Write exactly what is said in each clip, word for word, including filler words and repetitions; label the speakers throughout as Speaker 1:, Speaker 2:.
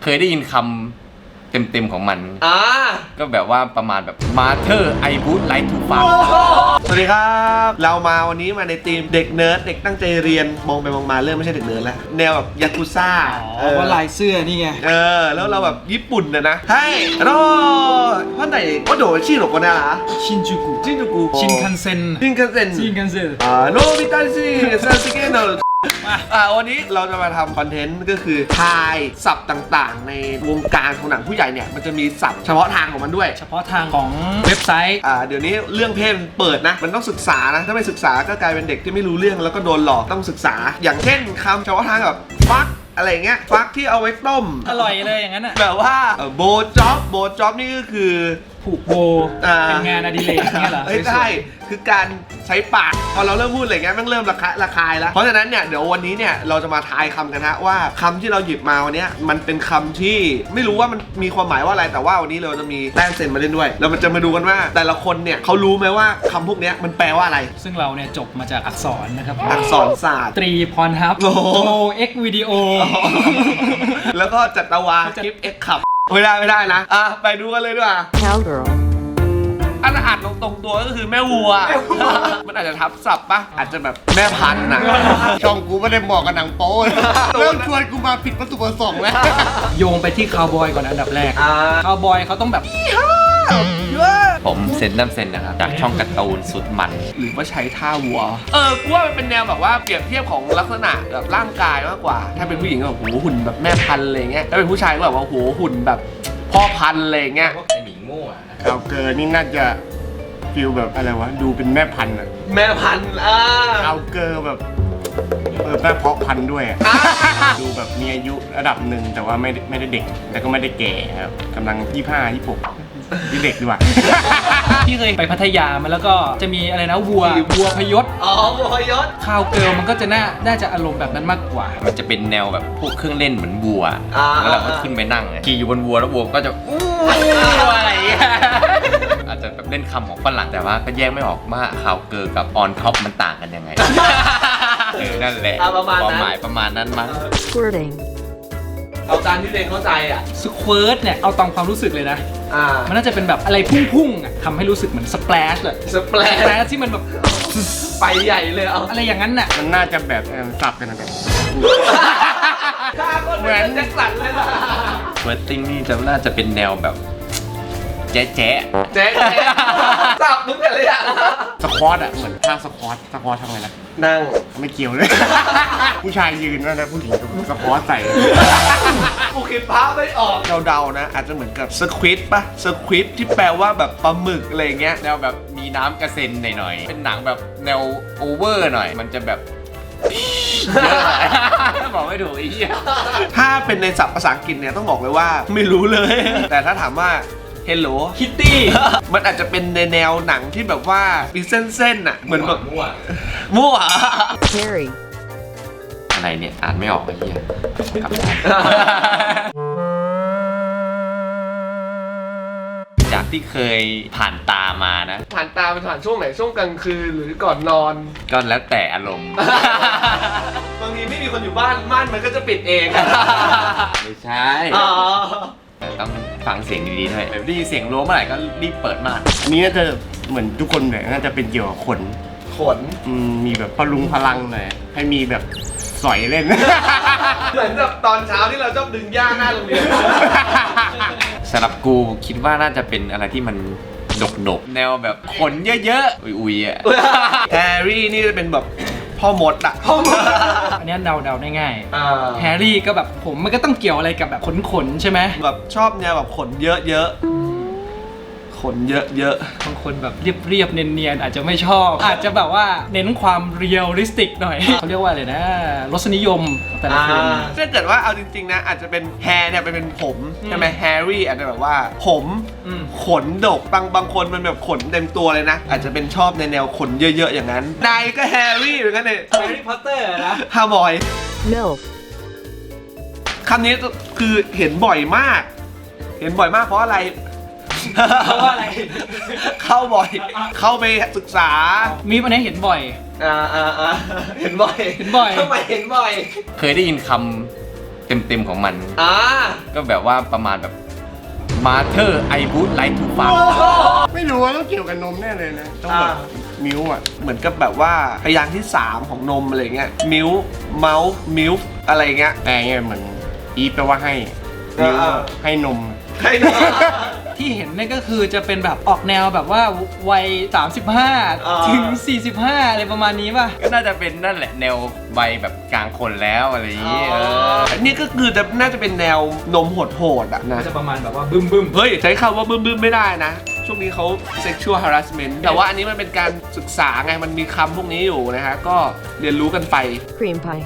Speaker 1: เคยได้ยินคำเต็มๆของมัน
Speaker 2: อ่า
Speaker 1: ก็แบบว่าประมาณแบบ Mother I would like to fuck
Speaker 2: สวัสดีครับเรามาวันนี้มาในทีมเด็กเนิร์ดเด็กตั้งใจเรียนมองไปมองมาเริ่มไม่ใช่เด็กเนิร์ดแล้วแนวแบบยากุซ่า
Speaker 3: อ๋อว่าลายเสื้อนี่ไง
Speaker 2: เออแล้วเราแบบญี่ปุ่นนะนะให้โร่พ่อไหนว่าโดดชื่อหรอกคนน่ะเหรอ
Speaker 3: ชินจูกุ
Speaker 2: ชินจูกุ
Speaker 3: ชินคันเซ็น
Speaker 2: ชินคันเซ็น
Speaker 3: ชินคันเซ็น
Speaker 2: อ่าโนบิตาชิซาสึเกะโนอ่าวันนี้เราจะมาทำคอนเทนต์ก็คือทายศัพท์ต่างๆในวงการของหนังผู้ใหญ่เนี่ยมันจะมีศัพท์เฉพาะทางของมันด้วย
Speaker 3: เฉพาะทางของเว็บไซต์
Speaker 2: อ่าเดี๋ยวนี้เรื่องเพศเปิดนะมันต้องศึกษานะถ้าไม่ศึกษาก็กลายเป็นเด็กที่ไม่รู้เรื่องแล้วก็โดนหลอกต้องศึกษาอย่างเช่นคำเฉพาะทางแบบฟักอะไรเงี้ยฟักที่เอาไว้ต้ม
Speaker 3: อร่อยเลยอย่างนั้นอ่ะ
Speaker 2: แบบว่าโบจ็อบโบจ็อบนี่ก็คือ
Speaker 3: ผูกโบเป็นงานอดิเรกเนี่ยเหรอ
Speaker 2: ไม่ใช่คือการใช้ปากพอเราเริ่มพูดอะไรเงี้ยมันเริ่มระคายระคายแล้วเพราะฉะนั้นเนี่ยเดี๋ยววันนี้เนี่ยเราจะมาทายคำกันฮะว่าคำที่เราหยิบมาวันนี้มันเป็นคำที่ไม่รู้ว่ามันมีความหมายว่าอะไรแต่ว่าวันนี้เราจะมีแต้มเซนมาเล่นด้วยเราจะมาดูกันว่าแต่ละคนเนี่ยเขารู้ไหมว่าคำพวกนี้มันแปลว่าอะไร
Speaker 3: ซึ่งเราเนี่ยจบมาจากอักษรนะครับ
Speaker 2: อักษรศาสตร์
Speaker 3: ตรีพรฮับโมเอ็กวิดีโอ
Speaker 2: แล้วก็จัตวาคลิปเอ็กขับไม่ได้ไม่ได้นะอ่ะไปดูกันเลยดีกว่า Cowgirlอันอ่านตรงตัวก็คือแม่วัวมันอาจจะทับศัพท์ปะอาจจะแบบแม่พันธุ์นะช่องกูไม่ได้เหมาะกับหนังโป๊เริ่มชวนกูมาผิดวัตถุประสงค์แล้ว
Speaker 3: โยงไปที่คาวบอยก่อนอันดับแรกคาวบอยเขาต้องแบบ
Speaker 1: ผมเซนน้ำเซนนะครับจากช่องการ์ตูนสุดมัน
Speaker 2: หรือว่าใช้ท่าวัวเออกูว่ามันเป็นแนวแบบว่าเปรียบเทียบของลักษณะแบบร่างกายมากกว่าถ้าเป็นผู้หญิงก็แบบโหหุ่นแบบแม่พันธุ์อะไรเงี้ยถ้าเป็นผู้ชายก็แบบว่าโหหุ่นแบบพ่อพันธุ์อะไรเงี้ย
Speaker 1: ไอหมีโง่อะ
Speaker 4: เอาเกินนี่น่าจะฟิลแบบอะไรวะดูเป็นแม่พันธุ์อะ
Speaker 2: แม่พันธุ์อ่า
Speaker 4: เอาเกินแบบเออแม่เพาะพันธุ์ด้วยดูแบบมีอายุระดับหนึ่งแต่ว่าไม่ไม่ได้เด็กแต่ก็ไม่ได้แก่ครับกำลังยี่ห้ายี่หกที่เด็กดีกว่า
Speaker 3: ที่เคยไปพัทยามาแล้วก็จะมีอะไรนะวัววัวพยศ
Speaker 2: อ๋อวัวพยศ
Speaker 3: คาวเกิร์ลมันก็จะน่าน่าจะอารมณ์แบบนั้นมากกว่า
Speaker 1: มันจะเป็นแนวแบบพวกเครื่องเล่นเหมือนวัวแล้วเราก็ขึ้นไปนั่งขี่อยู่บนวัวแล้ววัวก็จะอู้อะไรอาจจะแบบเล่นคำของฝรั่งแต่ว่าก็แยกไม่ออกว่าคาวเกิร์ลกับออนท็อปมันต่างกันยังไงเออนั่นแหละความหมายประมาณนั้นมั้ง
Speaker 2: เอาตามที่เด็กเข้าใจอ่ะ
Speaker 3: สควิร์ตเนี่ยเอาตามความรู้สึกเลยนะอ่ามันน่าจะเป็นแบบอะไรพุ่งๆอ่ะทำให้รู้สึกเหมือนสเปลชเลย
Speaker 2: สเปลช
Speaker 3: ที่มันแบบ
Speaker 2: ไปใหญ่เลยเอา
Speaker 3: อะไรอย่างนั้นน่ะ
Speaker 4: มันน่าจะแบบสับกันนะแบบ
Speaker 2: เหมือนแจ็คสันเลยล่ะ
Speaker 1: เฟิร์สติ้งนี่จะน่าจะเป็นแนวแบบแจ๊ะแจ๊ะ
Speaker 2: แจ๊ะสับมึงอะไรอ่ะ
Speaker 4: สควอตอ่ะเหมือนท่าสควอตสควอตทำไงนะ
Speaker 2: นั่ง
Speaker 4: ไม่เกี่ยวเลยผู้ชายยืนแล้วผู้หญิงสควอตใส่
Speaker 2: กูคิดภาพไม่ออกเดาๆนะอาจจะเหมือนกับสควิดปะสควิดที่แปลว่าแบบปลาหมึกอะไรเงี้ย
Speaker 1: แนวแบบมีน้ำกระเซ็นหน่อยๆเป็นหนังแบบแนวโอเวอร์หน่อยมันจะแบบบอกไม่ถูกอีก
Speaker 2: ถ้าเป็นในศัพท์ภาษาอังกฤษเนี่ยต้องบอกเลยว่าไม่รู้เลยแต่ถ้าถามว่าHello
Speaker 3: Kitty
Speaker 2: มันอาจจะเป็นในแนวหนังที่แบบว่ามีเส้นๆน่ะเหมือนแบบ
Speaker 1: มั่ว
Speaker 2: มั่ว
Speaker 1: Harry อะไรเนี่ยอ่านไม่ออกไอ้เหี้ยกลับจากที่เคยผ่านตามานะ
Speaker 2: ผ่านตาเป็นผ่านช่วงไหนช่วงกลางคืนหรือก่อนนอน
Speaker 1: ก็แล้วแต่อารมณ์
Speaker 2: บางทีไม่มีคนอยู่บ้านม่านมันก็จะปิดเอง
Speaker 1: ไม่ใช่ต้องฟังเสียงดีๆด้วยแบบได้ยินเสียงรั้วเมื่อไหร่ก็รีบเปิดม่าน
Speaker 4: อันนี้น่าจะเหมือนทุกคนเนี่ยน่าจะเป็นเกี่ยวกับขน
Speaker 2: ขน
Speaker 4: มีแบบพลุงพลังหน่อยให้มีแบบสอยเล่น
Speaker 2: เหมือนแบบตอนเช้าที่เราชอบดึงหญ้าหน้าโรงเรียน
Speaker 1: สำหรับกูคิดว่าน่าจะเป็นอะไรที่มันดกๆแนวแบบขนเยอะๆอุยๆอ่ะ
Speaker 2: แฮร์รี่นี่จะเป็นแบบพ่อมดอะ
Speaker 3: พ่อมดอันนี้เดาเดาได้ง่ายแฮร์รี่ก็แบบผมมันก็ต้องเกี่ยวอะไรกับแบบขนขนใช่ไหม
Speaker 2: แบบชอบแนวแบบขนเยอะๆขนเยอะ
Speaker 3: ๆบางคนแบบเรียบๆเนียนๆอาจจะไม่ชอบอาจจะแบบว่าเน้นความเรียลลิสติกหน่อยเขาเรียกว่าอะไรนะรสนิยมแต่ละคน
Speaker 2: ถ้าเกิดว่าเอาจริงๆนะอาจจะเป็นแฮร์เนี่ยเป็นผมใช่ไหมแฮร์รี่อาจจะแบบว่าผมขนดกบางบางคนมันแบบขนเต็มตัวเลยนะอาจจะเป็นชอบในแนวขนเยอะๆอย่างนั้นนายก็แฮร์รี่เหมือนกันเลย
Speaker 3: แฮร์รี่พอตเตอร์นะ
Speaker 2: ฮาร์บอยคำนี้คือเห็นบ่อยมากเห็นบ่อยมากเพราะอะไร
Speaker 3: เพราะว่าอะไร
Speaker 2: เข้าบ่อยเข้าไปศึกษา
Speaker 3: มีปัญหาเห็นบ่อย
Speaker 2: อ่าอ่าอ่าเห็นบ่อย
Speaker 3: เห็นบ่อย
Speaker 2: ทำไมเห็นบ่อย
Speaker 1: เคยได้ยินคำเต็มๆของมัน
Speaker 2: อ่า
Speaker 1: ก็แบบว่าประมาณแบบ Mother I would like to fuck
Speaker 4: ไม่รู้ว่าต้องเกี่ยวกับนมแน่เลยนะ ต้องแบบมิวอ่ะ
Speaker 2: เหมือนกับแบบว่าพยางค์ที่สามของนมอะไรเงี้ยมิลเมาส์มิลอะไรเงี้ย
Speaker 4: แต่เนี่ยเหมือนอีฟแปลว่าให้มิว
Speaker 2: อ่า
Speaker 4: ให้นม
Speaker 2: ให้นม
Speaker 3: ที่เห็นเนี่ยก็คือจะเป็นแบบออกแนวแบบว่าวัยสามสิบห้า
Speaker 2: อ่า
Speaker 3: ถึงสี่สิบห้าอะไรประมาณนี้ป่ะ
Speaker 1: ก็น่าจะเป็นนั่นแหละแนววัยแบบกลางคนแล้วอะไรอย่างงี้เออ
Speaker 2: อันนี้ก็คือจะน่าจะเป็นแนวนมโหดๆอ่ะนะ
Speaker 3: ก็จะประมาณแบบว่าบึ้มบึ้ม
Speaker 2: เฮ้ย ใช้คำว่าบึ้มบึ้มไม่ได้นะ ช่วงนี้เขา sexual harassment แต่ว่าอันนี้มันเป็นการศึกษาไง มันมีคำพวกนี้อยู่นะฮะ ก็เรียนรู้กันไป
Speaker 5: Cream pie.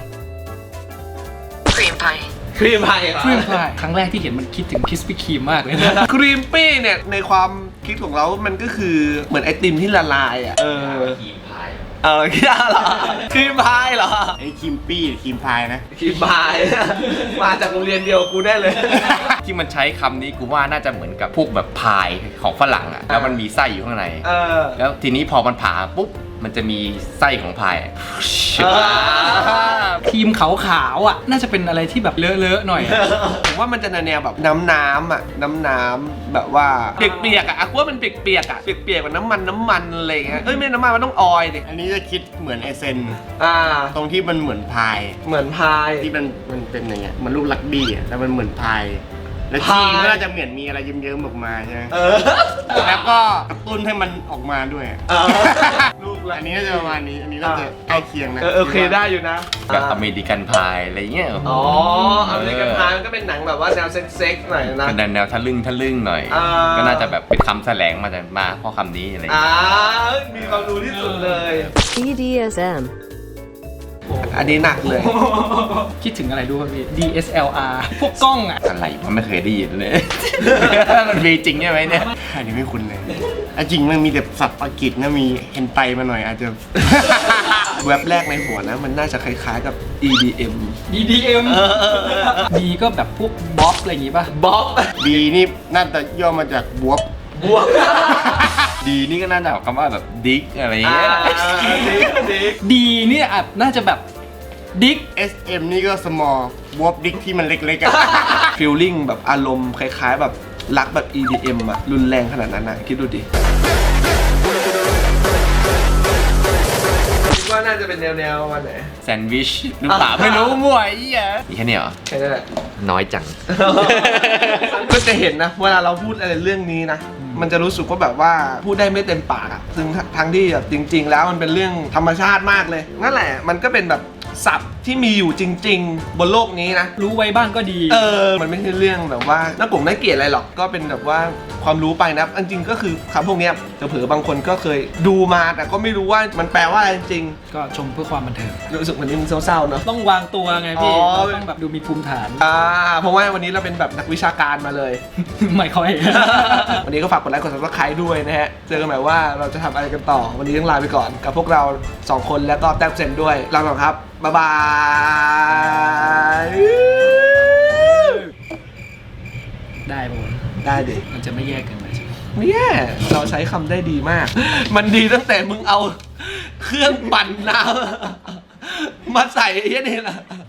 Speaker 5: Cream pie.
Speaker 2: ครีมพาย
Speaker 3: ครีมพายครั้งแรกที่เห็นมันคิดถึงคิสปี้ครีมมากเลยนะ
Speaker 2: ครีมปี้เนี่ย ในความคิดของเรามันก็คือเหมือนไอติมที่ละลายอ่ะ เออ
Speaker 1: ครีมพาย
Speaker 2: เออคิดอะไรอครีมพายเหรอ
Speaker 4: ไอ้คิมปี้คิมพายนะ
Speaker 2: ครีมพาย มาจากโรงเรียนเดียวกูได้เลย
Speaker 1: ที่มันใช้คำนี้กูว่าน่าจะเหมือนกับพวกแบบพายของฝรั่งอะแล้วมันมีไส้อยู่ข้างใน
Speaker 2: เออ
Speaker 1: แล้วทีนี้พอมันผ่าปุ๊บมันจะมีไส้ของพายอะ
Speaker 2: อ่า
Speaker 3: ครีมขาวๆอ่ะน่าจะเป็นอะไรที่แบบเลอะๆหน่อยอะ
Speaker 2: ผมว่ามันจะแนวแบบน้ำน้ำๆอ่ะน้ำน้ำๆแบบว่าเปียกๆอ่ะกูว่ามันเปียกๆอ่ะเปียกๆกับน้ำมันน้ำมันอะไรอย่างเงี้ยเอ้ยไม่น้ำมันมันต้องออยล์ดิ
Speaker 4: อันนี้จะคิดเหมือนไอเซน
Speaker 2: อ่า
Speaker 4: ตรงที่มันเหมือนพาย
Speaker 2: เหมือนพาย
Speaker 4: ที่มันมันเป็นอย่างเงี้ยมันลูกลักบี้อ่ะแล้วมันเหมือนพาย แล้ว
Speaker 2: พาย
Speaker 4: ชีก็น่าจะเหมือนมีอะไรเยิ้มๆออกมาใช่ไหม
Speaker 2: เออ
Speaker 4: แล้วก็กระตุ้นให้มันออกมาด้วย
Speaker 2: เออลูกละ
Speaker 4: อันนี้น่าจะประมาณนี้ อันนี้น่าจะใกล้เคียงนะ
Speaker 2: เออโอเคได้อยู่นะ
Speaker 1: แบบอเมริกันพายอะไรเงี้ย
Speaker 2: อ๋ออเมริกันพายมันก็เป็นหนังแบบว่าแนวเซ็กๆหน่อยนะ
Speaker 1: เป็นแนวทะลึ่งทะลึ่งหน่อย
Speaker 2: อ่า
Speaker 1: ก็น่าจะแบบเป็นคำแสลงมาจากมาเพราะคำนี้อะไร
Speaker 2: อ่า
Speaker 1: เงี้ย
Speaker 2: มีความรู้ที่สุดเลย
Speaker 5: B D S M.
Speaker 2: อันนี้หนักเลย
Speaker 3: คิดถึงอะไรดูครับพี่ ดี เอส แอล อาร์ พวกกล้องอ่ะ
Speaker 1: อะไรมันไม่เคยได้ยินเลย มันมีจริงใช่ไหมเนี่ย
Speaker 4: อันนี้ไม่คุ้นเลยอ่ะจริงมันมีแต่สับอังกฤษนะมีเฮนไตมาหน่อยอาจจะ
Speaker 2: เว็บแรกในหัวนะมันน่าจะคล้ายๆกับ อี ดี เอ็ม
Speaker 3: ดี ดี เอ็ม ดีก็แบบพวกบ๊อบอะไรอย่างงี้ป่ะ
Speaker 2: บ๊อบ
Speaker 4: บีนี่น่าจะย่อมาจากบวบบ
Speaker 2: วก
Speaker 1: ดีนี่ก็น่าจะคำว่าแบบดิกอะไร
Speaker 2: อ่า
Speaker 1: เงี้ย
Speaker 2: ดิกดิก
Speaker 3: ดีเนี่ยอาจน่าจะแบบดิก
Speaker 4: เอสเอ็มนี่ก็ small บวบดิกที่มันเล็กๆอ่ะ
Speaker 2: ฟีลลิ่งแบบอารมณ์คล้ายๆ แบบรักแบบ อี ดี เอ็ม อะรุนแรงขนาดนั้นนะคิดดูดิคิดว่าน่าจะเป็นแนวๆวันไหน
Speaker 1: แซนด์วิชหรือเปล่าไม่รู้มั่วไอ้เหี้ยนี่แค่นี้เหรอ
Speaker 2: แค่นั้นแหละ
Speaker 1: น้อยจัง
Speaker 2: ก็จะเห็นนะเวลาเราพูดอะไรเรื่องนี้นะ มันจะรู้สึกว่าแบบว่าพูดได้ไม่เต็มปากอะซึ่งทั้งที่แบบจริง ๆ แล้วมันเป็นเรื่องธรรมชาติมากเลย นั่นแหละมันก็เป็นแบบศัพท์ที่มีอยู่จริง ๆ บนโลกนี้นะ
Speaker 3: รู้ไว้บ้างก็ดี
Speaker 2: เออ มันไม่ใช่เรื่องแบบว่าน่ากลงน่าเกลียดอะไรหรอก ก็เป็นแบบว่าความรู้ไปนะจริงๆก็คือคำพวกเนี้ยเผลอๆบางคนก็เคยดูมาแต่ก็ไม่รู้ว่ามันแปลว่าอะไรจริง
Speaker 3: ก็ชมเพื่อความบันเทิง
Speaker 2: ๆรู้สึกวันนี้มันเศร้าๆเนอะ
Speaker 3: ต้องวางตัวไงพี่
Speaker 2: อ๋อ
Speaker 3: เราต้องแบบดูมีภูมิฐาน
Speaker 2: อ่า เพราะว่าวันนี้เราเป็นแบบนักวิชาการมาเลย
Speaker 3: ไม่ค่อย
Speaker 2: วันนี้ก็ฝากกดไลค์กด ซับสไครบ์ด้วยนะฮะ เจอกันใหม่ว่าเราจะทำอะไรกันต่อ วันนี้ต้องลาไปก่อน กับพวกเราสองคนแล้วก็แต้มเซนด้วยลาไปก่อนครับ บ๊ายบาย
Speaker 3: ได้ปะวะ
Speaker 2: ได้ดิ
Speaker 3: มันจะไม่แยกกันเลยใช่ไหม
Speaker 2: ไม่แย่เราใช้คำได้ดีมาก มันดีตั้งแต่มึงเอาเครื่องปั่นน้ำมาใส่ไอ้เนี่ยนี่แหละ